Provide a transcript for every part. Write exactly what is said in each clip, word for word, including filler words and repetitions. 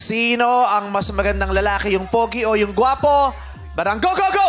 Sino ang mas magandang lalaki, yung pogi o yung gwapo? Barang go, go, go!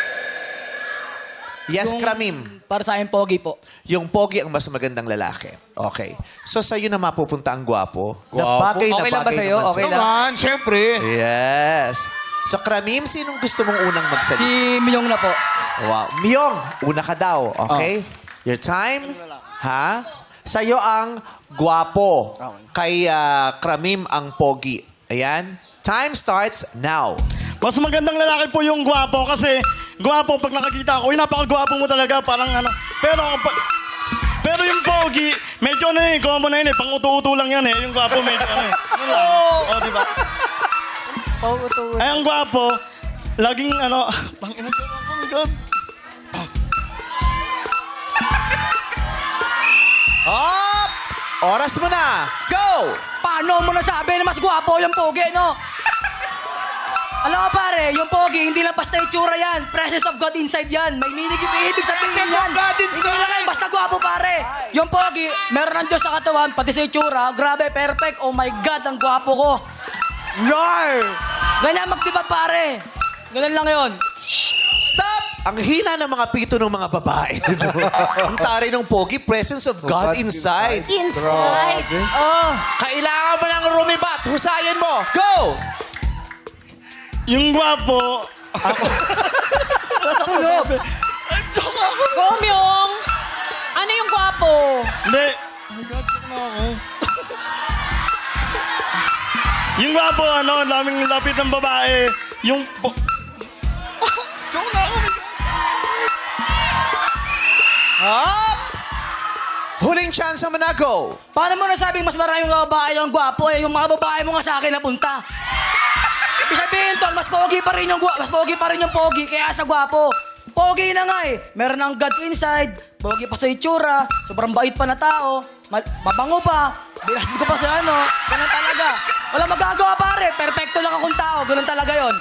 Yes, Yung- Kramim. Para sa akin, pogi po. Yung pogi ang mas magandang lalaki. Okay. So, sa'yo na mapupunta ang gwapo. Na Gwapo. bagay na Okay lang ba bagay sa'yo? naman Okay lang. Naman, syempre. Yes. So, Kramim, sinong gusto mong unang magsalita? Si Myong na po. Wow. Myong, una ka daw. Okay? Your time? Ha? Sa'yo ang gwapo. Kay ah, Kramim ang pogi. Ayan. Time starts now. Mas magandang lalaki po yung gwapo kasi gwapo pag nakakita ko, uy, napakagwapo mo talaga, parang ano. Pero pag, pero yung pogi, medyo ano eh, common na yun eh, pang-uto-uto lang yan eh. Yung gwapo medyo ano eh. Ano lang. Oh, di ba? Ay, ang gwapo, laging ano, pang ina ko, oh my God. Up! Oras mo na. Go! Paano mo nasabi na mas gwapo yung pogi, no? Alam mo pare, yung pogi, hindi lang basta itsura yan. Presence of God inside yan. May meaning, ibig sabihin Presence yan. of God inside. Hindi lang yan, basta gwapo pare. Yung pogi, meron ng Diyos sa katawan, pati sa itsura. Grabe, perfect. Oh my God, ang gwapo ko. Roar! Ganyan magdiba pare. Ganun lang yun. Stop! Ang hina ng mga pito ng mga babae. Ang tari ng pogi, presence of God inside. Inside. Oh. Kailangan mo ng rumibat. Husayin mo. Go! Yung gwapo, Tulog. Go, Myong. Ano yung gwapo? hindi. Oh my God, ano ako? Yung gwapo, ano, ang daming lapit ng babae. Yung po... Joke na ako. Up! Huling chance mo na. Go! Paano mo nasabing mas maraming mga babae ang gwapo eh? Yung mga babae mo nga sa akin napunta. Ibig sabihin, tol, mas pogi pa rin yung gwa- mas pogi pa rin yung pogi kaya sa gwapo. Pogi na nga eh. Meron ng God inside, pogi pa sa itsura, sobrang bait pa na tao, mal- mabango pa, binasbid ko pa sa ano, ganun talaga. Wala magagawa pare, perfecto lang akong tao, ganun talaga yon.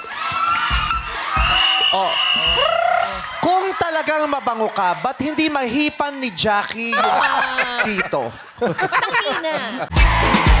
Oh. Kung talagang mabango ka, ba't hindi mahipan ni Jackie yung pito? Ba't ang hina?